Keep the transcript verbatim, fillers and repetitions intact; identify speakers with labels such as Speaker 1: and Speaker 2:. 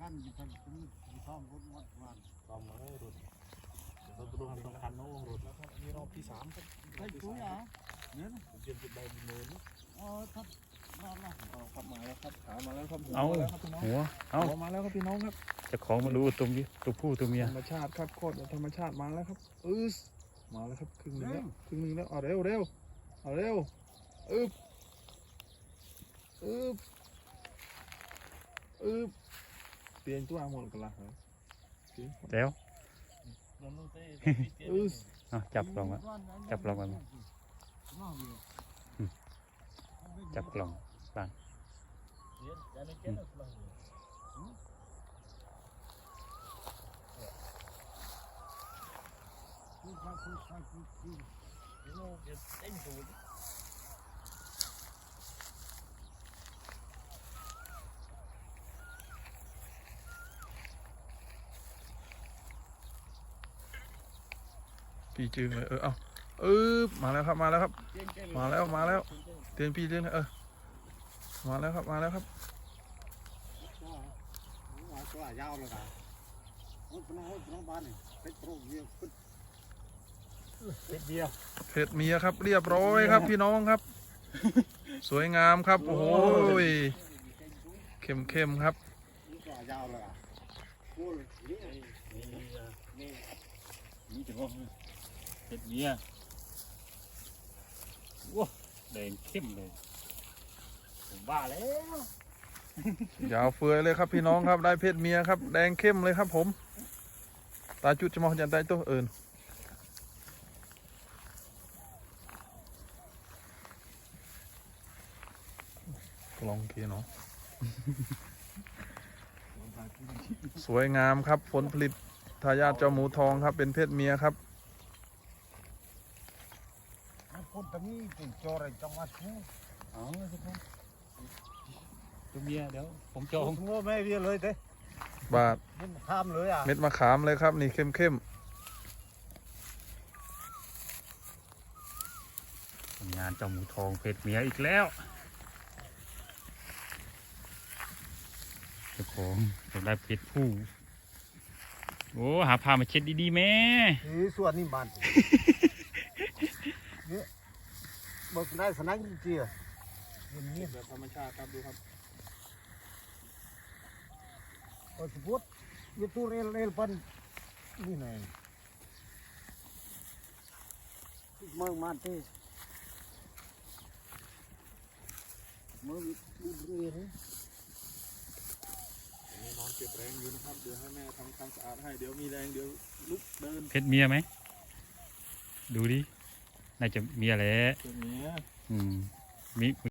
Speaker 1: ขั้นขั้นมีท้องรถวัดวัน
Speaker 2: ตอมมาให้รถเราตัวสำคัญโน้รถแล้วครับนี่รอบที่สามครับ
Speaker 1: ไอ้ตุ้ยอ่ะเนี่ย
Speaker 2: ผมเตรียมจุดใบเนิน
Speaker 1: เออทับรอบละ
Speaker 2: เอาครับมาแล้วครับขามาแล้วครับ
Speaker 3: เอา
Speaker 2: แล้วครับพี่น้อง
Speaker 3: หัวเอา
Speaker 2: หัวมาแล้วครับพี่น้องครับ
Speaker 3: เจะของมาดูตัวนี้ตัวผู้ตัวเมีย
Speaker 2: ธรรมชาติครับโคตรธรรมชาติมาแล้วครับอือมาแล้วครับครึ่งหนึงแล้วครึ่งหนึงแล้วเอาเร็วเร็วเอาเร็วอึบอึบอึบเปลี่ยนตัวหมดกันละเหรอ
Speaker 3: แล้ว
Speaker 2: อือ
Speaker 3: เอาจับกล่องอะ จับลองกัน จับกล่องบ้าง
Speaker 2: พี่จึงเลยเออเอาเออมาแล้วครับมาแล้วครับ มาแล้วมาแล้วเตียนพี่เตียนเออมาแล้วครับมาแล้วครับ
Speaker 1: ตัวยาวเลยนะโอ้ยน้องโอ้ยน้องบ้านนี่เป็นโปรเยอะขึ้นเป็นเดียว
Speaker 2: เผ็ดเมียครับเรียบร้อยครับพี่น้องครับ สวยงามครับโอ้โหเข้มเข้มครับ
Speaker 1: ตัวยาวเลยอ่ะโอ้ยนี่นี่
Speaker 3: นี่จะว่าเห็ดเมียว้าแดงเข้มเลยผมบ้าแล้ว
Speaker 2: ยาวเฟือยเลยครับพี่น้องครับได้เพศเมียครับแดงเข้มเลยครับผมตาจุดจะมองจันตายตัวเอิญลองกีเนาะ สวยงามครับผลผลิตทายาทเจ้าหมูทองครับเป็นเพศเมียครับ
Speaker 1: คนตรงนี้ติดจออะไรจังหวัดนู้น
Speaker 3: อ๋อสิครับตัวเมียเดี๋ยวผมจ
Speaker 1: โอ้
Speaker 3: อง
Speaker 1: โหแม่เรียเลยเด้
Speaker 2: บาท
Speaker 1: มันข้ามเลยอ่ะ
Speaker 2: เม็ดมะขามเลยครับนี่เข้มเข้ม
Speaker 3: ทำงานเจ้าหมูทองเพชรเมียอีกแล้วเจ้าของอยากได้เพชรผู้โอ้หาผ้ามาเช็ดดีๆแม่
Speaker 1: นี่ส่วนนี้บ้านเนี่ยเบิกได้สนั่งจริงๆอ่ะมันเงียบ
Speaker 2: แบบธรรมชาติครับดูครับ
Speaker 1: โอ้ยพุทธยูทูเรลเรลปันนี่ไงเมื่อมาเต้เมื่อดูเรียน
Speaker 2: อันนี้นอนเก็บแรงอยู่นะครับเดี๋ยวให้แม่ทำความสะอาดให้เดี๋ยวมีแรงเดี๋ยวลุกเดิน
Speaker 3: เพชรเมียไหมดูดิน่าจะเมียแหละ
Speaker 2: ตัวเนี้ย
Speaker 3: อืมมี